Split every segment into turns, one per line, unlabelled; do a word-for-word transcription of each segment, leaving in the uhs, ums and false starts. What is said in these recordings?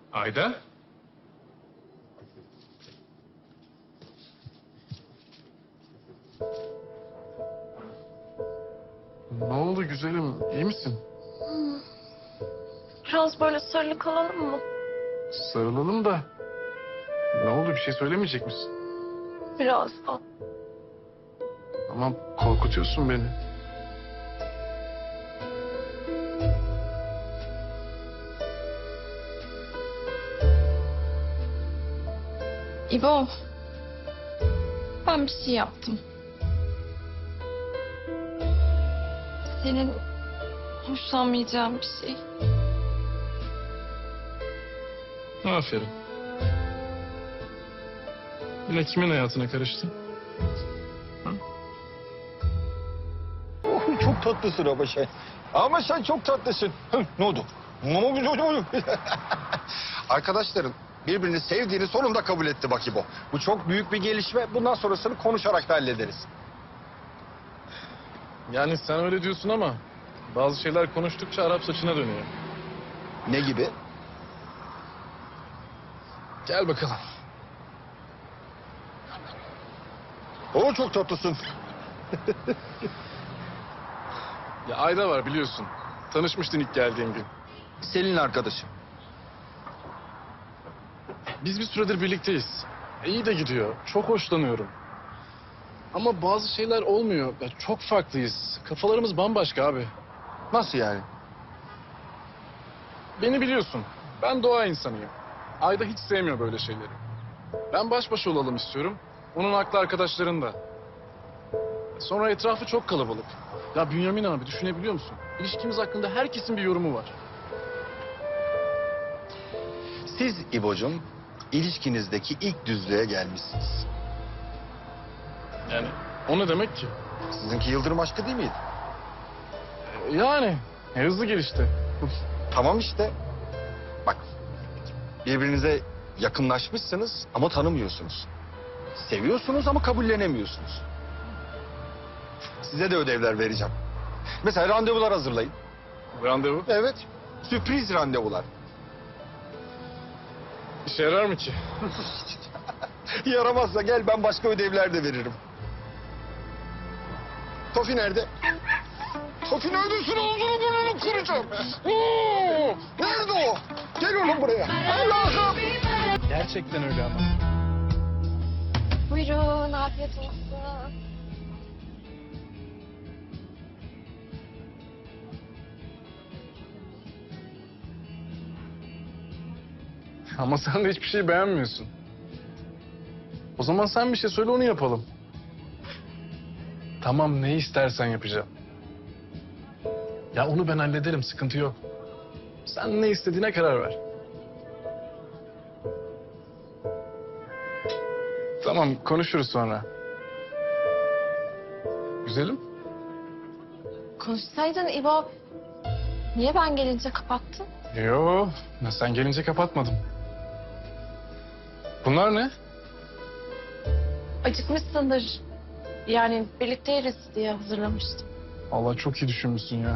Ayda? Ne oldu güzelim? İyi misin?
Biraz böyle sarılı kalalım mı?
Sarılalım da. Ne oldu? Bir şey söylemeyecek misin?
Birazdan.
Ama korkutuyorsun beni.
İbo. Ben bir şey yaptım. Senin hoşlanmayacağın bir şey.
Aferin. Yine kimin hayatına karıştın?
Oh, çok tatlısın ama sen. Ama sen çok tatlısın. Hı, ne oldu? Ne oldu? Ne oldu? Arkadaşların birbirini sevdiğini sonunda kabul etti Bakibo. Bu çok büyük bir gelişme. Bundan sonrasını konuşarak da hallederiz.
Yani sen öyle diyorsun ama bazı şeyler konuştukça Arap saçına dönüyor.
Ne gibi?
Gel bakalım.
Oo, çok tatlısın.
Ya Ayda var biliyorsun. Tanışmıştın ilk geldiğin gün.
Selin arkadaşım.
Biz bir süredir birlikteyiz. İyi de gidiyor. Çok hoşlanıyorum. Ama bazı şeyler olmuyor. Ya çok farklıyız. Kafalarımız bambaşka abi.
Nasıl yani?
Beni biliyorsun. Ben doğa insanıyım. Ayda hiç sevmiyor böyle şeyleri. Ben baş başa olalım istiyorum. Onun aklı arkadaşlarında. Sonra etrafı çok kalabalık. Ya Bünyamin abi düşünebiliyor musun? İlişkimiz hakkında herkesin bir yorumu var.
Siz İbo'cum ilişkinizdeki ilk düzlüğe gelmişsiniz.
Yani o ne demek ki?
Sizinki yıldırım aşkı değil miydi?
E, Yani e, hızlı gelişti.
Tamam işte. Bak, birbirinize yakınlaşmışsınız ama tanımıyorsunuz. Seviyorsunuz ama kabullenemiyorsunuz. Size de ödevler vereceğim. Mesela randevular hazırlayın.
Randevu.
Evet, sürpriz randevular.
İşe yarar mı ki?
Yaramazsa gel, ben başka ödevler de veririm. Tofi nerede? Tofi neredesin? Ağzını burnunu kıracağım. Oo, nerede o? Gel oğlum buraya. Allah'ım.
Gerçekten öyle ama.
Buyurun, afiyet olsun.
Ama sen de hiçbir şey beğenmiyorsun. O zaman sen bir şey söyle onu yapalım. Tamam ne istersen yapacağım. Ya onu ben hallederim sıkıntı yok. Sen ne istediğine karar ver. Tamam konuşuruz sonra. Güzelim.
Konuşsaydın İbo. Niye ben gelince kapattın?
Yo sen gelince kapatmadım. Bunlar ne?
Acıkmışsındır. Yani birlikte yeriz diye hazırlamıştım.
Allah çok iyi düşünmüşsün ya.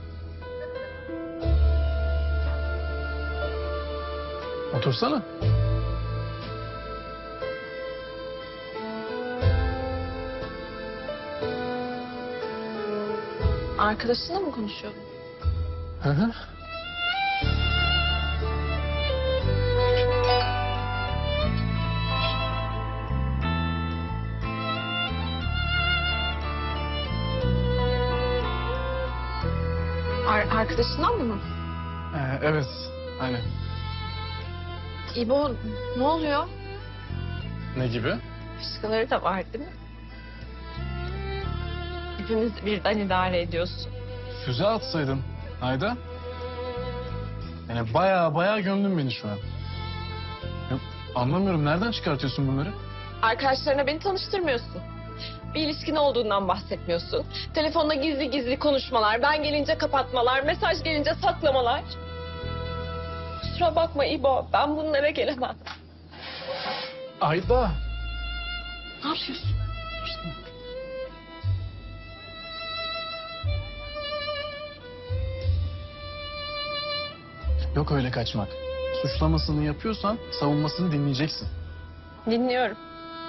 Otursana.
Arkadaşınla mı konuşuyordun?
Hı hı.
Ar arkadaşından mı?
Ee, evet aynen.
İbo ne oluyor?
Ne gibi?
Fışkıları da var değil mi? Hepimiz birden idare ediyorsun.
Füze atsaydın Ayda. Yani baya baya gömdün beni şu an. Ya, anlamıyorum nereden çıkartıyorsun bunları?
Arkadaşlarına beni tanıştırmıyorsun. Bir ilişkin olduğundan bahsetmiyorsun. Telefonda gizli gizli konuşmalar, ben gelince kapatmalar, mesaj gelince saklamalar. Kusura bakma İbo, ben bunlara gelemem.
Ayda.
Ne yapıyorsun?
Yok öyle kaçmak. suçlamasını yapıyorsan savunmasını dinleyeceksin.
Dinliyorum.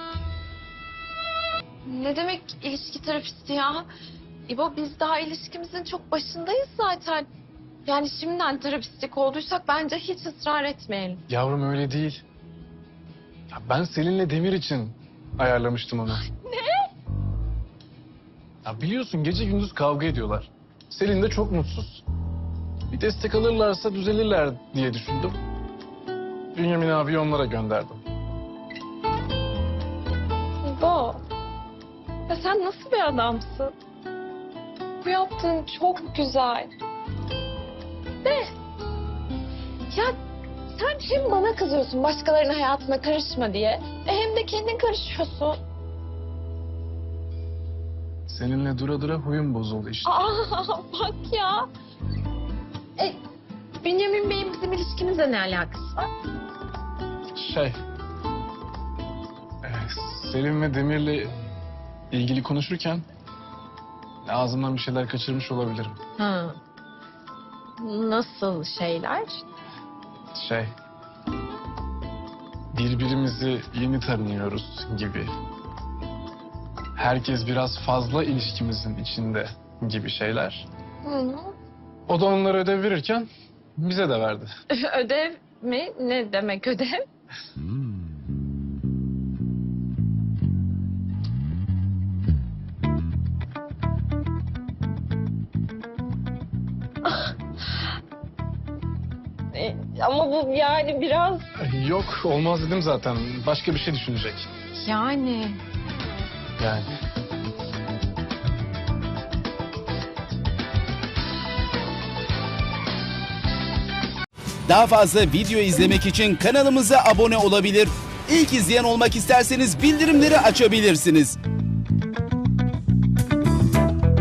Ne demek ilişki terapisti ya? İbo biz daha ilişkimizin çok başındayız zaten. Yani şimdiden terapistlik olduysak bence hiç ısrar etmeyelim.
Yavrum öyle değil. Ya ben Selin'le Demir için ayarlamıştım onu.
Ne?
Ya biliyorsun gece gündüz kavga ediyorlar. Selin de çok mutsuz. Bir destek alırlarsa düzelirler diye düşündüm. Bünyamin abi onlara gönderdim.
İbo. Ya sen nasıl bir adamsın? Bu yaptığın çok güzel. De. Ya sen hem bana kızıyorsun başkalarının hayatına karışma diye. E hem de kendin karışıyorsun.
Seninle dura dura huyum bozuldu işte.
Aa bak ya. E, Bünyamin Bey'in bizim ilişkimizle ne alakası var?
Şey... e, Selin ve Demir'le ilgili konuşurken ağzımdan bir şeyler kaçırmış olabilirim.
Ha. Nasıl şeyler?
Şey... Birbirimizi yeni tanıyoruz gibi. Herkes biraz fazla ilişkimizin içinde gibi şeyler.
Hı.
O da onlara ödev verirken bize de verdi.
Ödev mi? Ne demek ödev? E, Ama bu yani biraz...
Yok olmaz dedim zaten. Başka bir şey düşünecek.
Yani...
Yani.
Daha fazla video izlemek için kanalımıza abone olabilir. İlk izleyen olmak isterseniz bildirimleri açabilirsiniz.